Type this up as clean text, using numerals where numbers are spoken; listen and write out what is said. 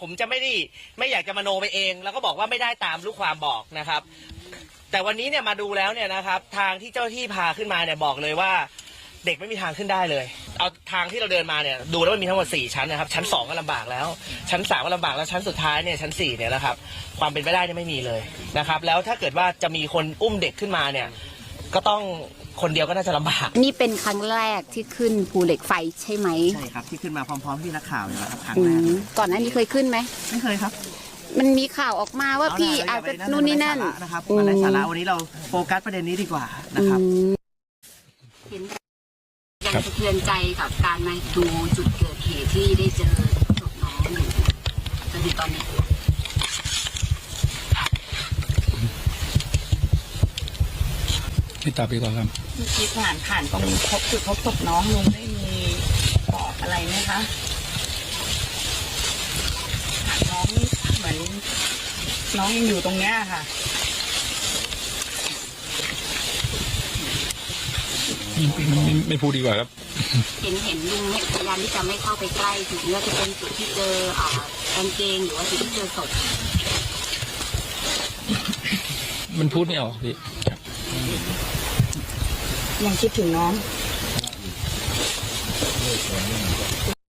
ผมจะไม่อยากจะมโนไปเองแล้วก็บอกว่าไม่ได้ตามลูกความบอกนะครับแต่วันนี้เนี่ยมาดูแล้วเนี่ยนะครับทางที่เจ้าที่พาขึ้นมาเนี่ยบอกเลยว่าเด็กไม่มีทางขึ้นได้เลยเอาทางที่เราเดินมาเนี่ยดูแล้วมันมีทั้งหมด4ชั้นนะครับชั้น2ก็ลำบากแล้วชั้น3ก็ลำบากแล้วชั้นสุดท้ายเนี่ยชั้น4เนี่ยนะครับความเป็นไปได้เนี่ยไม่มีเลยนะครับแล้วถ้าเกิดว่าจะมีคนอุ้มเด็กขึ้นมาเนี่ยก็ต้องคนเดียวก็น่าจะลำบากนี่เป็นครั้งแรกที่ขึ้นภูเหล็กไฟใช่ไหมใช่ครับที่ขึ้นมาพร้อมๆที่นักข่าวเนี่ยครับครั้งแรกก่อนหน้านี้เคยขึ้นไหมไม่เคยครับมันมีข่าวออกมาว่าพี่อาจจะนู่นนี่นั่นนะครับมันไร้สาระวันนี้เราโฟกัสประเด็นนี้ดีกว่านะครับเห็นยังสะเทือนใจกับการมาดูจุดเกิดเหตุที่ได้เจอศพน้องอยู่จนถึงตอนนี้พี่ตาไปก่อนครับที่ผ่านตรงพบจุดพบศพน้องลุงได้มีบอกอะไรไหมคะน้องเหมือนน้องยังอยู่ตรงเนี้ยค่ะไม่พูดดีกว่าครับเห็นลุงพยายามที่จะไม่เข้าไปใกล้ถึงว่าจะเป็นจุดที่เจอกางเกงหรือว่าจุดที่เจอศพมันพูดไม่ออกพี่ยังคิดถึงน้อง